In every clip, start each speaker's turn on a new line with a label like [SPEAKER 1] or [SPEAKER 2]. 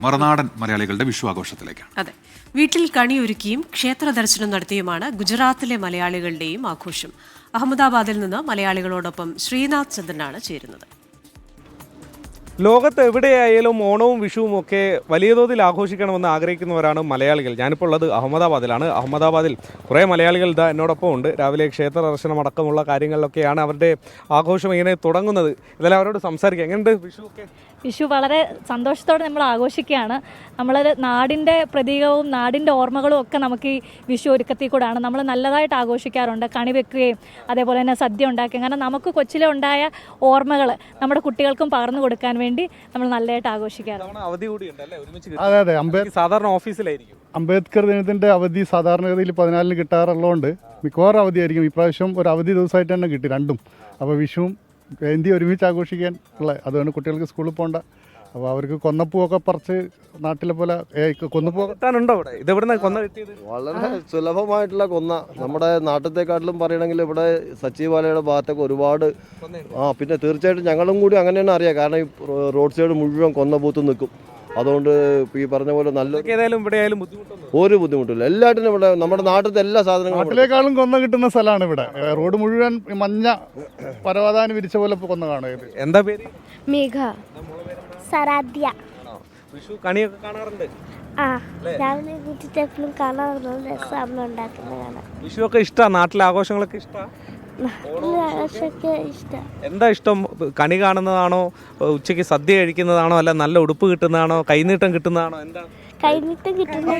[SPEAKER 1] മറുനാടൻ മലയാളികളുടെ വിഷു ആഘോഷത്തിലേക്കാണ്.
[SPEAKER 2] അതെ, വീട്ടിൽ കണിയൊരുക്കിയും ക്ഷേത്ര ദർശനം നടത്തിയുമാണ് ഗുജറാത്തിലെ മലയാളികളുടെയും ആഘോഷം. അഹമ്മദാബാദിൽ നിന്ന് മലയാളികളോടൊപ്പം ശ്രീനാഥ് ചന്ദ്രനാണ് ചേരുന്നത്.
[SPEAKER 3] ലോകത്ത് എവിടെയായാലും ഓണവും വിഷുവും ഒക്കെ വലിയ തോതിൽ ആഘോഷിക്കണമെന്ന് ആഗ്രഹിക്കുന്നവരാണ് മലയാളികൾ. ഞാനിപ്പോൾ ഉള്ളത് അഹമ്മദാബാദിലാണ്. അഹമ്മദാബാദിൽ കുറേ മലയാളികൾ ഇതാ എന്നോടൊപ്പം ഉണ്ട്. രാവിലെ ക്ഷേത്ര ദർശനം അടക്കമുള്ള കാര്യങ്ങളിലൊക്കെയാണ് അവരുടെ ആഘോഷം ഇങ്ങനെ തുടങ്ങുന്നത്. ഇതെല്ലാം അവരോട് സംസാരിക്കാം. എങ്ങനെയുണ്ട് വിഷു ഒക്കെ?
[SPEAKER 4] വിഷു വളരെ സന്തോഷത്തോടെ നമ്മൾ ആഘോഷിക്കുകയാണ്. നമ്മൾ നാടിൻ്റെ പ്രതീകവും നാടിൻ്റെ ഓർമ്മകളും ഒക്കെ നമുക്ക് ഈ വിഷു ഒരുക്കത്തിൽ കൂടാണ്. നമ്മൾ നല്ലതായിട്ട് ആഘോഷിക്കാറുണ്ട്. കണി വെക്കുകയും അതേപോലെ തന്നെ സദ്യ ഉണ്ടാക്കുകയും, കാരണം നമുക്ക് കൊച്ചിലെ ഉണ്ടായ ഓർമ്മകൾ നമ്മുടെ കുട്ടികൾക്കും പകർന്നു കൊടുക്കാൻ വേണ്ടി നമ്മൾ നല്ലതായിട്ട് ആഘോഷിക്കാറുണ്ട്.
[SPEAKER 3] അതെ അതെ, സാധാരണ ഓഫീസിലായിരിക്കും.
[SPEAKER 5] അംബേദ്കർ ദിനത്തിൻ്റെ അവധി സാധാരണഗതിയിൽ 14 കിട്ടാറുള്ളതുകൊണ്ട് മിക്കവാറും അവധിയായിരിക്കും. ഇപ്രാവശ്യം ഒരു അവധി ദിവസമായിട്ട് തന്നെ കിട്ടി രണ്ടും. അപ്പോൾ വിഷുവും ജയന്തി ഒരുമിച്ച് ആഘോഷിക്കാൻ ഉള്ള, അതുകൊണ്ട് കുട്ടികൾക്ക് സ്കൂളിൽ പോകണ്ട. അപ്പോൾ അവർക്ക് കൊന്നപ്പൂവൊക്കെ പറിച്ച് നാട്ടിലെ പോലെ കൊന്നപ്പൂ
[SPEAKER 3] കിട്ടാനുണ്ടോ അവിടെ? ഇതെവിടെ കൊന്ന കിട്ടിയത്?
[SPEAKER 6] വളരെ സുലഭമായിട്ടുള്ള കൊന്ന. നമ്മുടെ നാട്ടിലത്തെക്കാട്ടിലും പറയണമെങ്കിൽ ഇവിടെ സച്ചിവാലയുടെ ഭാഗത്തൊക്കെ ഒരുപാട് പിന്നെ തീർച്ചയായിട്ടും ഞങ്ങളും കൂടി അങ്ങനെയാണ് അറിയാം. കാരണം ഈ റോഡ് സൈഡ് മുഴുവൻ കൊന്ന പൂത്ത് നിൽക്കും. അതുകൊണ്ട് ഈ പറഞ്ഞ പോലെ നല്ല ഒരു ബുദ്ധിമുട്ടില്ല. എല്ലാറ്റിനും ഇവിടെ നമ്മുടെ നാട്ടിലത്തെ എല്ലാ സാധനങ്ങളും
[SPEAKER 5] നാട്ടിലേക്കാളും കൊന്ന കിട്ടുന്ന സ്ഥലമാണ് ഇവിടെ. റോഡ് മുഴുവൻ മഞ്ഞ പരവതാനി വിരിച്ച പോലെ കൊന്ന കാണുക.
[SPEAKER 3] എന്താ പേര്?
[SPEAKER 7] മേഘ. സരാധ്യ.
[SPEAKER 3] വിഷു കണിയൊക്കെ കാണാറുണ്ട്?
[SPEAKER 7] രാവിലെ വീട്ടിലെപ്പോഴും കാണാറുണ്ട്. രസം ഉണ്ടാക്കുന്നത് കാണാം.
[SPEAKER 3] വിഷു ഒക്കെ ഇഷ്ടമാണ്? നാട്ടിലെ ആഘോഷങ്ങളൊക്കെ ഇഷ്ടമാണ്? എന്താ ഇഷ്ടം? കണി കാണുന്നതാണോ, ഉച്ചയ്ക്ക് സദ്യ കഴിക്കുന്നതാണോ, അല്ല നല്ല ഉടുപ്പ് കിട്ടുന്നതാണോ, കൈനീട്ടം കിട്ടുന്നതാണോ? എന്താ
[SPEAKER 7] കൈനീട്ടം കിട്ടുന്ന?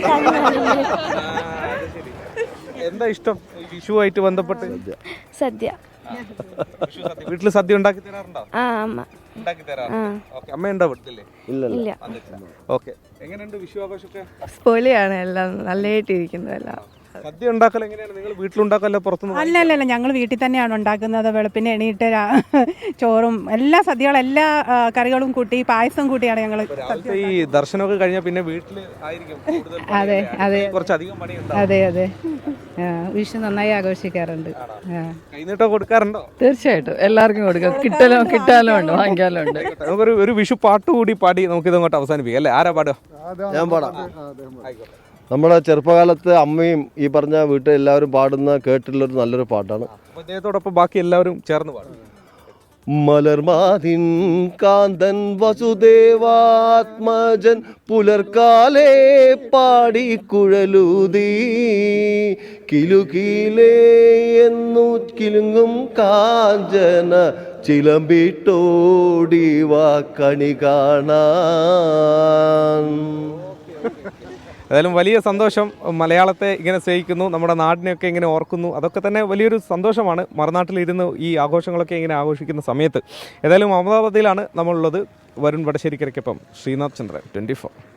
[SPEAKER 3] എന്താ ഇഷ്ടം വിഷുവായിട്ട് ബന്ധപ്പെട്ട്?
[SPEAKER 7] സദ്യ.
[SPEAKER 3] വീട്ടിൽ സദ്യ ഉണ്ടാക്കി തരാറുണ്ടോ?
[SPEAKER 7] അമ്മ
[SPEAKER 3] ഉണ്ടാക്കി തരാറുണ്ട്. അമ്മ ഉണ്ടോ വീട്ടില്?
[SPEAKER 7] ഇല്ല.
[SPEAKER 3] ഓക്കെ, എങ്ങനെയുണ്ട് വിഷു ആഘോഷമൊക്കെ?
[SPEAKER 8] പൊളിയാണ്, എല്ലാം നല്ലതായിട്ടിരിക്കുന്നു. എല്ലാം
[SPEAKER 3] സദ്യ ഉണ്ടാക്കൽ എങ്ങനെയാണ്? നിങ്ങൾ വീട്ടിലുണ്ടാക്കല്ലോ പുറത്തുനിന്ന്?
[SPEAKER 8] അല്ലല്ല, ഞങ്ങൾ വീട്ടിൽ തന്നെയാണ് ഉണ്ടാക്കുന്നത്. വെളുപ്പിന് എണീറ്റ് ചോറും എല്ലാ സദ്യകളും എല്ലാ കറികളും കൂട്ടി പായസം കൂട്ടിയാണ് ഞങ്ങൾ.
[SPEAKER 3] ഈ ദർശനമൊക്കെ കഴിഞ്ഞാൽ പിന്നെ വീട്ടിൽ ആയിരിക്കും
[SPEAKER 8] അതെ അതെ,
[SPEAKER 3] കുറച്ചധികം പണിയുണ്ട്.
[SPEAKER 8] അതെ അതെ, വിഷു നന്നായി ആഘോഷിക്കാറുണ്ട്.
[SPEAKER 3] കൈനീട്ടം കൊടുക്കാറുണ്ടോ?
[SPEAKER 8] തീർച്ചയായിട്ടും എല്ലാവർക്കും കൊടുക്കും. കിട്ടാലും ഉണ്ട്, വാങ്ങിക്കാലും ഉണ്ട്.
[SPEAKER 3] നമുക്കൊരു ഒരു വിഷു പാട്ട് കൂടി പാടി നമുക്ക് ഇതങ്ങോട്ട് അവസാനിപ്പിക്കാം അല്ലേ? ആരാ പാടുക?
[SPEAKER 6] ഞാൻ പാടാം. നമ്മുടെ ചെറുപ്പകാലത്ത് അമ്മയും ഈ പറഞ്ഞ വീട്ടിൽ എല്ലാവരും പാടുന്ന കേട്ടിട്ടുള്ളൊരു നല്ലൊരു പാട്ടാണ്.
[SPEAKER 3] അദ്ദേഹത്തോടൊപ്പം ബാക്കി എല്ലാവരും ചേർന്ന് പാടും.
[SPEAKER 6] മലർമാതിൻ കാന്തൻ വസുദേവാത്മജൻ പുലർക്കാലേ പാടി കുഴലൂതി കിലുകിലേ എന്നു കിലുങ്ങും കാഞ്ചന ചിലമ്പിട്ടോടിവാ കണി കാണാൻ.
[SPEAKER 3] ഏതായാലും വലിയ സന്തോഷം. മലയാളത്തെ ഇങ്ങനെ സ്നേഹിക്കുന്നു, നമ്മുടെ നാടിനെയൊക്കെ ഇങ്ങനെ ഓർക്കുന്നു. അതൊക്കെ തന്നെ വലിയൊരു സന്തോഷമാണ്. മറുനാട്ടിലിരുന്ന് ഈ ആഘോഷങ്ങളൊക്കെ ഇങ്ങനെ ആഘോഷിക്കുന്ന സമയത്ത്. ഏതായാലും അഹമ്മദാബാദിലാണ് നമ്മളുള്ളത്. വരുൺ വടശ്ശേരിക്കരയ്ക്കൊപ്പം ശ്രീനാഥ് ചന്ദ്രൻ, 24.